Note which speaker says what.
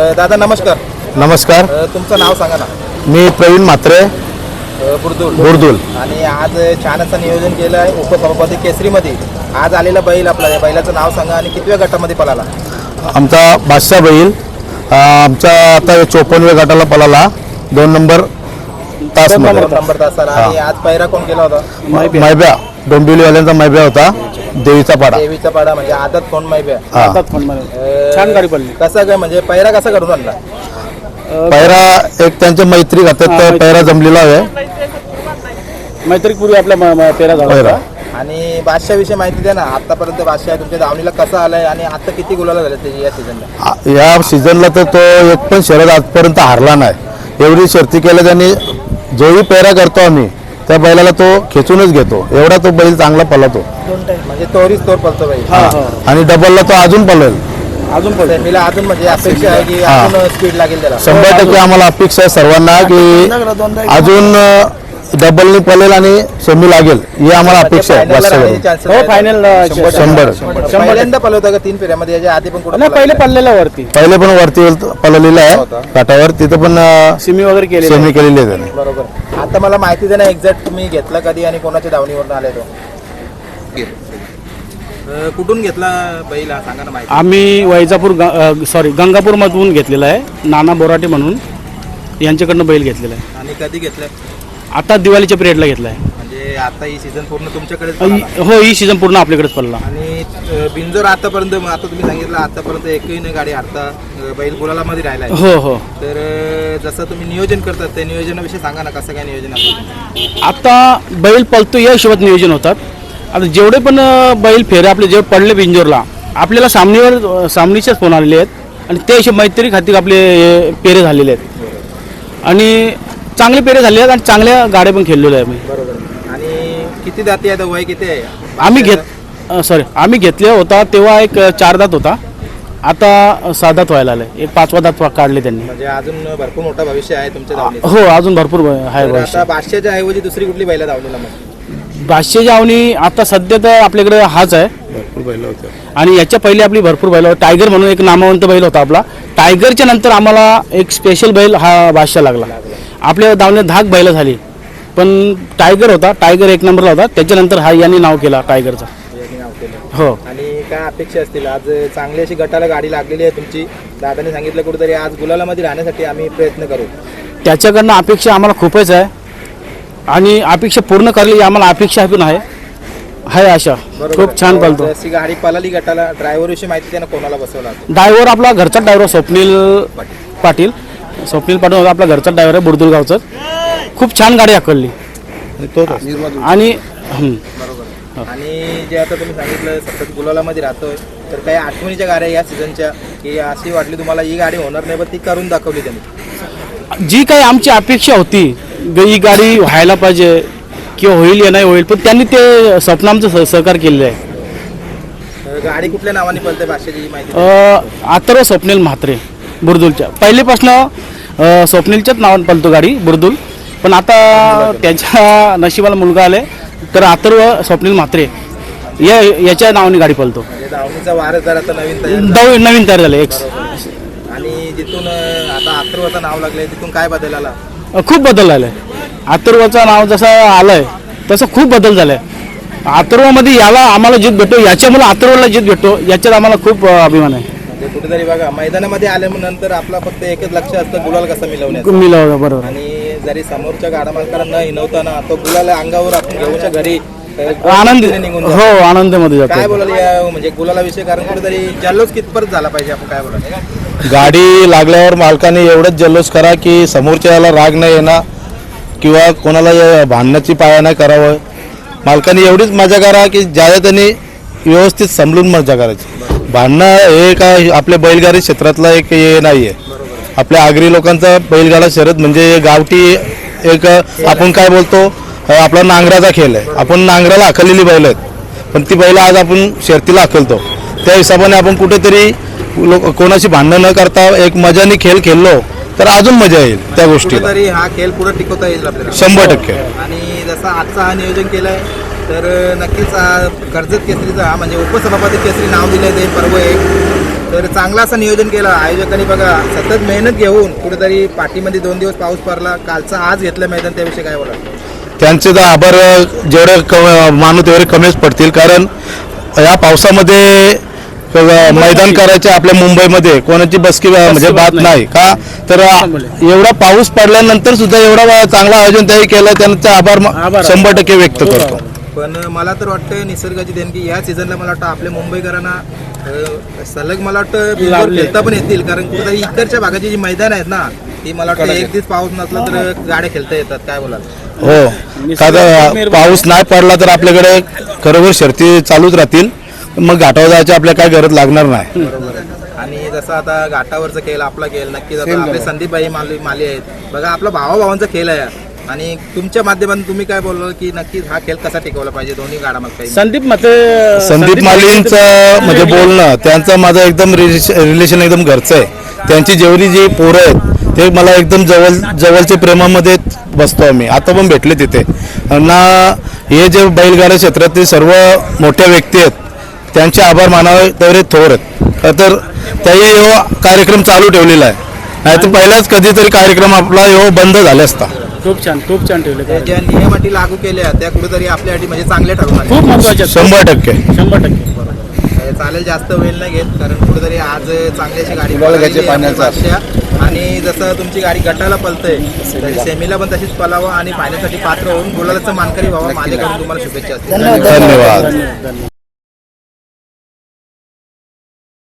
Speaker 1: दादा नमस्कार.
Speaker 2: नमस्कार.
Speaker 1: तुमचं नाव सांगा ना.
Speaker 2: मी प्रवीण म्हात्रे, बुरदुल.
Speaker 1: आणि आज छान असं नियोजन केलं आहे उपसभापती केसरीमध्ये. आज आलेला बैल आपला, या बैलाचं नाव सांगा आणि कितव्या गटामध्ये पळाला?
Speaker 2: आमचा बादशाह बैल आमचा आता 54व्या गटाला पळाला, 2 नंबर तास
Speaker 1: नंबर तासाला. आणि आज पैरा कोण केला होता?
Speaker 2: मैब्या, डोंबिवलीवाल्यांचा मैब्या होता, देवीचा पाडा
Speaker 1: म्हणजे आदत कोण मैब्या.
Speaker 3: छान गाडी पडली.
Speaker 1: कसं काय म्हणजे पैरा कसा करून आणला?
Speaker 2: पैरा एक त्यांच्या मैत्री खात्यात पैरा जमलेला आहे.
Speaker 3: मैत्रीपूर्वी आपला पेरा झाला.
Speaker 1: आणि बादशाह विषयी माहिती द्या ना. आतापर्यंत बादशाह तुमच्या दावणीला कसा आलाय आणि आता किती गुलाला झाले त्याची या सीझनला?
Speaker 2: या सीझनला तर तो एक पण शर्यत आजपर्यंत हारला नाही. एवढी शर्ती केल्या त्यांनी. जोही पैरा करतो आम्ही त्या बैलाला तो खेचूनच घेतो, एवढा तो बैल चांगला पळतो.
Speaker 1: म्हणजे तोरीच तोर पळतो बैल.
Speaker 2: आणि डबलला तो अजून पळेल.
Speaker 1: सेमीला अजून म्हणजे अपेक्षा आहे की अजून स्पीड लागेल त्याला.
Speaker 2: 100% आम्हाला अपेक्षा आहे सर्वांना की अजून डबलनी पळेल आणि सेमी लागेल, ही आम्हाला अपेक्षा आहे.
Speaker 3: फायनल
Speaker 2: 100.
Speaker 1: पहिल्यांदा पळवता का 3 फेऱ्यामध्ये? याच्या आधी पण कुठे
Speaker 3: पहिले पडलेला वरती,
Speaker 2: पहिले पण वरती पळलेलं आहे काठावर, तिथं पण
Speaker 3: सिमी वगैरे केली,
Speaker 2: सेमी केलेली आहे त्याने.
Speaker 1: बरोबर. आता मला माहिती दे ना एक्झॅक्ट तुम्ही घेतला कधी आणि कोणाच्या दावणीवरून आले तो? कुठून घेतला बैल हा सांगा ना माहिती.
Speaker 3: आम्ही वैजापूर गंगापूर मधून घेतलेला आहे. नाना बोराटे म्हणून यांच्याकडनं बैल घेतलेला आहे.
Speaker 1: आणि कधी घेतलं?
Speaker 3: आता दिवाळीच्या पिरियडला घेतला आहे.
Speaker 1: म्हणजे आता ही सीझन पूर्ण तुमच्याकडे?
Speaker 3: हो, ही सीझन पूर्ण आपल्याकडेच पडला.
Speaker 1: आणि बिंजोर आतापर्यंत, आता तुम्ही सांगितलं आतापर्यंत एकही नाही गाडी हारता बैल गुलालामध्ये राहिला आहे.
Speaker 3: हो हो.
Speaker 1: तर जसं तुम्ही नियोजन करतात त्या नियोजनाविषयी सांगा ना. कसं काय नियोजन असतं?
Speaker 3: आता बैल पळतो या हिशोबात नियोजन होतात. आता जेवढे पण बैल फेरे आपले जेवढे पडले बिंजोरला, आपल्याला सामनीचेच फोन आलेले आहेत आणि त्या हिशोब मैत्री खातीर आपले पेरे झालेले आहेत आणि चांगले पेरे झालेले आहेत आणि चांगल्या गाड्या पण खेळलेल्या आहे.
Speaker 1: बरोबर. आणि किती दाती आहे? वय किती आहे?
Speaker 3: आम्ही घेतले होता तेव्हा एक 4 दात होता, आता 6 दात व्हायला आले. एक 5वा दात काढले त्यांनी.
Speaker 1: म्हणजे अजून भरपूर मोठा भविष्य आहे तुमच्या दावणीत.
Speaker 3: हो, अजून भरपूर आहे.
Speaker 1: आता बादशाहच्या ऐवजी दुसरी कुठली बैला दावणीला? मग
Speaker 3: बादशाहची आवणी आता सध्या तर आपल्याकडे हाच आहे.
Speaker 2: भरपूर बैल होते
Speaker 3: आणि याच्या पहिले आपली भरपूर बैल. टायगर म्हणून एक नामवंत बैल होता आपला. टायगरच्या नंतर आम्हाला एक स्पेशल बैल हा बादशाह लागला. आपल्या दावणीत 10 बैल झाली, पण टायगर होता, टायगर 1 नंबरला होता. त्याच्यानंतर हा यांनी नाव केला टायगरचा. हो.
Speaker 1: आणि काय अपेक्षा असतील? आज चांगली अशी गटाला गाडी लागलेली आहे तुमची. दादाने सांगितलं कुठेतरी आज गुलालामध्ये राहण्यासाठी आम्ही प्रयत्न करू.
Speaker 3: त्याच्याकडनं अपेक्षा आम्हाला खूपच आहे आणि अपेक्षा पूर्ण करली आम्हाला अपेक्षा पण आहे आशा. खूप छान पळतो.
Speaker 1: जशी गाडी पळाली गटाला, ड्रायव्हर विषयी माहिती द्या ना. कोणाला बसवला?
Speaker 3: ड्रायव्हर आपला घरचा ड्रायव्हर स्वप्नील पाटील होता. आपला घरचा ड्रायव्हर आहे, बुरदुल गावचा. खूप छान गाडी हाकलली आणि
Speaker 1: आणि जे आता तुम्ही सांगितलं सतत गुलालामध्ये राहतोय, तर काही आठवणीच्या गाड्या या सीझनच्या की अशी वाटली तुम्हाला ही गाडी होणार नाही, पण ती करून दाखवली त्यांनी?
Speaker 3: जी काही आमची अपेक्षा होती ही गाडी व्हायला पाहिजे किंवा होईल या नाही होईल, पण त्यांनी ते स्वप्न आमचं सहकार केलेलं आहे.
Speaker 1: गाडी कुठल्या नावाने पळते बादशाहची माहिती?
Speaker 3: अथर्व स्वप्नील म्हात्रे, बुरदुलच्या. पहिलेपासनं स्वप्नीलच्याच नावाने पळतो गाडी बुरदुल, पण आता त्यांच्या नशिबाला मुलगा आले तर अथर्व स्वप्नील म्हात्रे याच्या नावाने गाडी पळतो.
Speaker 1: दावणीचा वारसदार आता
Speaker 3: नवीन तयार झाले.
Speaker 1: आणि जिथून आता अथर्वचं नाव लागलंय तिथून काय बदल आला?
Speaker 3: खूप बदल झालाय. अथर्वचं नाव जसं आलंय तसं खूप बदल झालाय. अथर्वमध्ये याला आम्हाला जीत भेटतो, याच्यामुळे अथर्वला जीत भेटतो, याच्यात आम्हाला खूप अभिमान आहे.
Speaker 1: म्हणजे कुठेतरी बघा मैदानामध्ये आल्यानंतर आपला फक्त एकच लक्ष असतं गुलाल कसा मिळवण्याचं.
Speaker 3: बरोबर.
Speaker 1: आणि जरी समोरच्या गाडा मालकांना न हिनवताना तो गुलाल अंगावर आपण घेऊनच्या घरी
Speaker 3: आनंद
Speaker 1: निघून
Speaker 3: हो आनंदामध्ये जातो.
Speaker 1: काय बोलायला म्हणजे गुलाला विषय? कारण कुठेतरी जल्लोष कितपर्यंत झाला पाहिजे? आपण काय बोलायला?
Speaker 2: गाडी लागल्यावर मालकाने एवढंच जल्लोष करा की समोरच्याला राग नाही येणार किंवा कोणाला भांडण्याची पाया नाही करावं. मालकाने एवढीच मजा करा की ज्यादा त्यांनी व्यवस्थित समजून मजा करायची. भांडणं हे काय आपल्या बैलगाडी क्षेत्रातला एक हे नाही आहे. आपल्या आगरी लोकांचा बैलगाडा शर्यत म्हणजे गावठी एक आपण काय बोलतो आपला नांगराचा खेळ आहे. आपण नांगराला हाकललेली बैल आहेत, पण ती बैल आज आपण शर्तीला हाकलतो. त्या हिशोबाने आपण कुठेतरी कोणाशी भांडणं न करता एक मजाने खेळ खेळलो तर अजून मजा येईल त्या गोष्टी.
Speaker 1: तरी हा खेळ पुढे टिकवता येईल आपल्याला
Speaker 2: 100%.
Speaker 1: आणि जसा आजचा हा नियोजन केलाय तर नक्कीच कर्जत केसरीचा म्हणजे उपसभापती केसरी नाव दिलंय ते पर्व आहे. तर चांगलं असं नियोजन केलं आयोजकांनी बघा, सतत मेहनत घेऊन कुठेतरी पाठीमध्ये 2 दिवस पाऊस पडला, कालचा आज घेतलं मैदान, त्याविषयी काय बोला?
Speaker 2: त्यांचे तर आभार जेवढे मानू तेवढे कमीच पडतील, कारण या पावसामध्ये मैदान करायचे आपल्या मुंबईमध्ये कोणाची बसकी म्हणजे बात नाही का, तर एवढा पाऊस पडल्यानंतर सुद्धा एवढा चांगलं आयोजन त्यांनी केलं, त्यांचा आभार 100% व्यक्त करतो.
Speaker 1: पण मला तर वाटतं निसर्गाची देणगी या सीझनला मला वाटतं आपल्या मुंबईकरांना सलग मला वाटतं बिनजोड खेळता पण येतील, कारण कुठेतरी इकडच्या भागाची जी मैदान आहेत ना ती मला वाटतं एक दिवस पाऊस नसला तर गाड्या खेळता येतात. काय बोलाल?
Speaker 2: हो, का पाऊस नाही पडला तर आपल्याकडे खरोखर शर्ती चालूच राहतील, मग घाटावर जायची आपल्या काय गरज लागणार नाही.
Speaker 1: बरोबर आहे. आणि जसं आता घाटावरचा खेळ आपला खेळ नक्कीच आता आपले संदीपबाई माली आहेत बघा, आपला भावाभावांचा खेळ आहे, आणि तुमच्या माध्यमातून तुम्ही काय बोलला की नक्कीच हा खेळ कसा टिकवला पाहिजे दोन्ही गाडामध्ये?
Speaker 2: संदीप मालींचं म्हणजे बोलणं, त्यांचं माझं एकदम रिलेशन एकदम घरचं आहे. त्यांची जेवढी जी पोरं आहेत ते मला एकदम जवळच्या प्रेमामध्ये बसतो आम्ही, आता पण भेटले तिथे ना. हे जे बैलगाडा क्षेत्रातील सर्व मोठ्या व्यक्ती आहेत त्यांचे आभार मानावे तेवढे थोर आहेत, तर त्याही कार्यक्रम चालू ठेवलेला आहे, नाही तर पहिलाच कधीतरी कार्यक्रम आपला बंद झाला असता.
Speaker 3: खूप छान ठेवले.
Speaker 1: ज्या नियम अटी लागू केल्या त्या कुठेतरी आपल्यासाठी म्हणजे चांगल्या ठरवणार
Speaker 3: खूप महत्वाचे
Speaker 2: 100%.
Speaker 1: चालेल, जास्त वेळ नाही घेत, कारण कुठेतरी आज चांगली अशी गाडी पळाली आणि जसं तुमची गाडी गटाला पळतंय तरी सेमीला पण तशीच पळावं आणि फायनलसाठी पात्र होऊन गुलालाचं मानकरी व्हावं. माझ्याकडून तुम्हाला शुभेच्छा असतील.
Speaker 2: धन्यवाद.